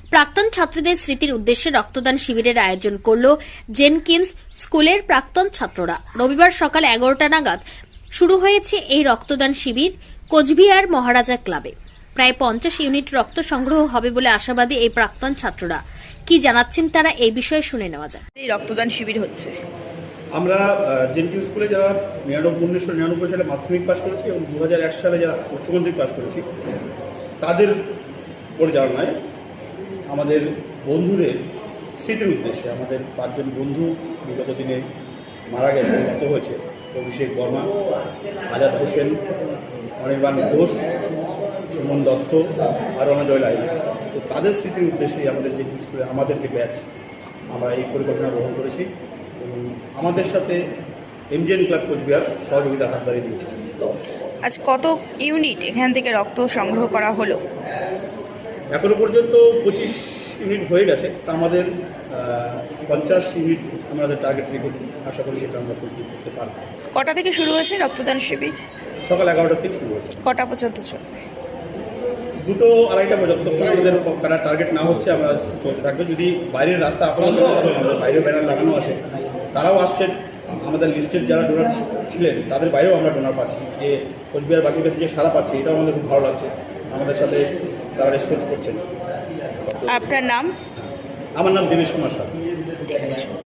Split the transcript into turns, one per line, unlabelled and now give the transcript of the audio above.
প্রাক্তন ছাত্রদের স্মৃতির উদ্দেশ্যে রক্তদান শিবিরের আয়োজন করল জেনকিন্স স্কুলের প্রাক্তন ছাত্ররা। রবিবার সকাল 11টা নাগাদ শুরু হয়েছে এই রক্তদান শিবির কোচবিহার মহারাজা ক্লাবে। প্রায় 50 ইউনিট রক্ত সংগ্রহ হবে বলে আশাবাদী এই প্রাক্তন ছাত্ররা। কি জানাচ্ছেন তারা এই বিষয়ে শুনে নেওয়া যাক।
এই রক্তদান শিবির হচ্ছে,
আমরা জেনকিন্স স্কুলে যারা 1999 সালে মাধ্যমিক পাস করেছি এবং 2001 সালে যারা উচ্চ মাধ্যমিক পাস করেছি তাদের পরিচালনায় আমাদের বন্ধুদের স্মৃতির উদ্দেশ্যে আমাদের 5 জন বন্ধু বিগত দিনে মারা গেছে, গত হয়েছে। অভিষেক বর্মা, আজাদ হোসেন, অনির্বাণ ঘোষ, সুমন দত্ত আর অনজয় লাইন। তো তাদের স্মৃতির উদ্দেশ্যে আমাদের জেনকিন্স স্কুলে আমাদের যে ব্যাচ আমরা এই পরিকল্পনা গ্রহণ করেছি এবং আমাদের সাথে এমজিএন ক্লাব কোচবিহার সহযোগিতার হাত বাড়িয়ে দিয়েছে।
আজ কত ইউনিট এখান থেকে রক্ত সংগ্রহ করা হলো?
এখনো পর্যন্ত 25 ইউনিট হয়ে গেছে। তা আমাদের 50 ইউনিট আমাদের টার্গেট রেখেছি। আশা করি সেটা আমরা কমপ্লিট করতে পারব।
কটা থেকে শুরু হয়েছে রক্তদান শিবির?
সকাল 11টা থেকে শুরু হয়েছে।
কটা পর্যন্ত চলবে?
2টো 2:30টা পর্যন্ত আমাদের টার্গেট না হচ্ছে আমরা চলতে থাকবে। যদি বাইরের রাস্তা আপনাদের আমাদের বাইরে ব্যানার লাগানো আছে, তারাও আসছেন। আমাদের লিস্টের যারা ডোনার ছিলেন তাদের বাইরেও আমরা ডোনার পাচ্ছি, যে কোচবিহার বাকির কাছে যে সারা পাচ্ছি, এটাও আমাদের খুব ভালো লাগছে। আমাদের সাথে তারা রেসপন্স করছেন।
আপনার নাম?
আমার নাম দেবেশ কুমার শাহ।
ঠিক আছে।